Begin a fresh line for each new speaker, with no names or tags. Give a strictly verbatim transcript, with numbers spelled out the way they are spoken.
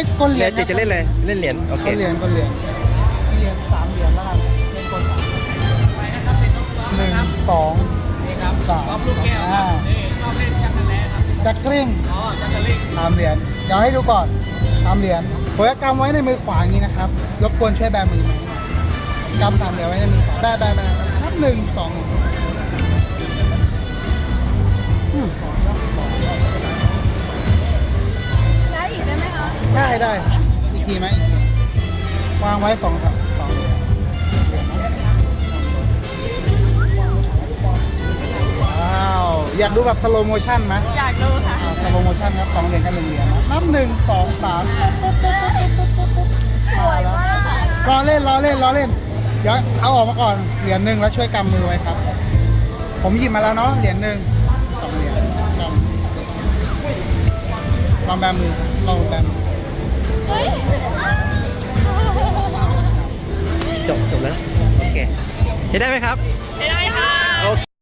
ก้นเหรียญ
เจจะเล่นเลยเล่นเหรียญโอเค
ก้นเหรียญก้นเหรียญเหรียญสามเหรียญแล้วกันเล่นก้นสามหนึ่งสองสามอ่าจักริ่งสามเหรียญเดี๋ยวให้ดูก่อนสามเหรียญผมจะกำไว้ในมือขวาอย่างนี้นะครับรบกวนช่วยแบมือไหมกำสามเหรียญไว้ในมือขวาแบแบแบนับหนึ่งสองอืม
แล้วอีกได้ไหมคะ
ได้ได้อีกทีไหมอีกทีวางไว้สองครับสองเหรียญว้าวอยากดูแบบสโลโมชั่นไหม
อยากดูค่ะ
สโลโมชั่นครับสองเหรียญกับหนึ่งเหรียญนะนับหนึ่งสองสาม
สวยมากค่ะ
รอเล่นรอเล่นรอเล่นเดี๋ยวเอาออกมาก่อนเหรียญหนึ่งแล้วช่วยกำมือไว้ครับ ผมหยิบมาแล้วเนาะเหรียญหนึ่งสองเหรียญกำลองแบมือลองแบมือ
เฮ้ย
จบจบแล้วโอเคเห็นได้ไหมครับ
ไม่ได้ค่ะ
โอเค